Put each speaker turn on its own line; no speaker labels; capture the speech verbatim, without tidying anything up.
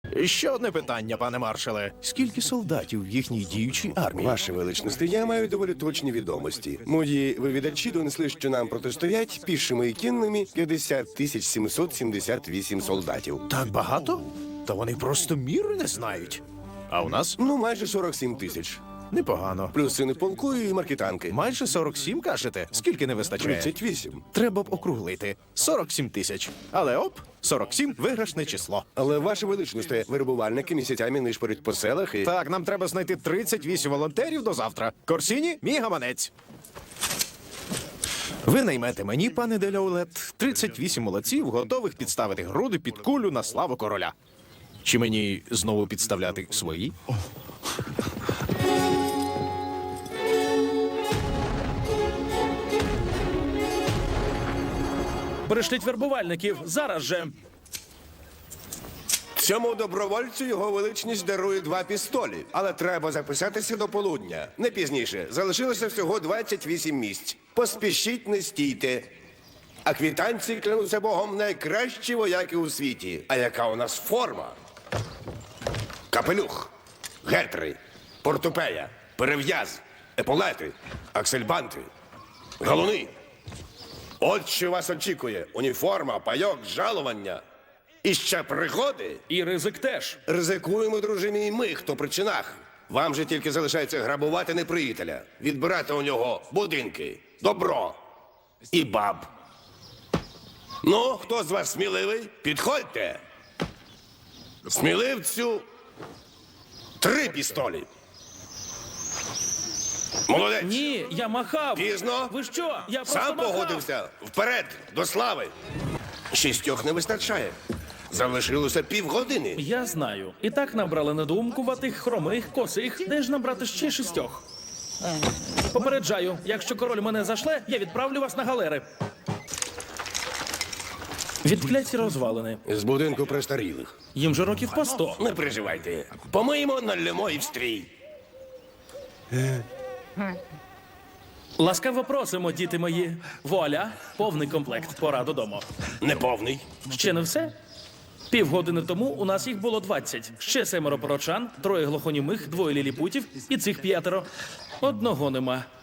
Ще одне питання, пане маршале. Скільки солдатів в їхній діючій армії?
Ваше величності, я маю доволі точні відомості. Мої вивідачі донесли, що нам протистоять пішими і кінними п'ятдесят тисяч сімсот сімдесят вісім солдатів.
Так багато? Та вони просто міри не знають. А у нас?
Ну, майже сорок сім тисяч.
Непогано.
Плюс сини полку і маркетанки.
Майже сорок сім, кажете? Скільки не вистачає?
тридцять вісім.
Треба б округлити. сорок сім тисяч. Але оп, сорок сім – виграшне число.
Але, ваше величності, вирубувальники місяцями нишпорять по селах і...
Так, нам треба знайти тридцять вісім волонтерів до завтра. Корсіні, мій гаманець. Ви наймете мені, пане Деляулет, тридцять вісім молодців, готових підставити груди під кулю на славу короля. Чи мені знову підставляти свої?
Пришліть вербувальників, зараз же.
Цьому добровольцю його величність дарує два пістолі. Але треба записатися до полудня. Не пізніше. Залишилося всього двадцять вісім місць. Поспішіть, не стійте. А квітанці, клянуся Богом, найкращі вояки у світі. А яка у нас форма? Капелюх, гетри, портупея, перев'яз, еполети, аксельбанти, галуни. От що вас очікує. Уніформа, пайок, жалування. І ще пригоди.
І ризик теж.
Ризикуємо, друже мій, ми, хто при чинах. Вам же тільки залишається грабувати неприятеля, відбирати у нього будинки, добро і баб. Ну, хто з вас сміливий? Підходьте. Сміливцю три пістолі. Молодець.
Ні, я махав.
Пізно.
Ви що? Я просто
Сам
махав.
погодився. Вперед, до слави. Шістьох не вистачає. Залишилося півгодини.
Я знаю. І так набрали недоумкуватих, хромих, косих. Де ж набрати ще шістьох? Попереджаю, якщо король мене зашле, я відправлю вас на галери. Відкляті розвалини.
З будинку престарілих.
Їм же років по сто.
Не переживайте. Помиємо, налємо і в стрій.
Ласкаво просимо, діти мої. Вуаля, повний комплект. Пора додому.
Неповний.
Ще не все? Півгодини тому у нас їх було двадцять. Ще семеро порочан, троє глухонімих, двоє ліліпутів і цих п'ятеро. Одного нема.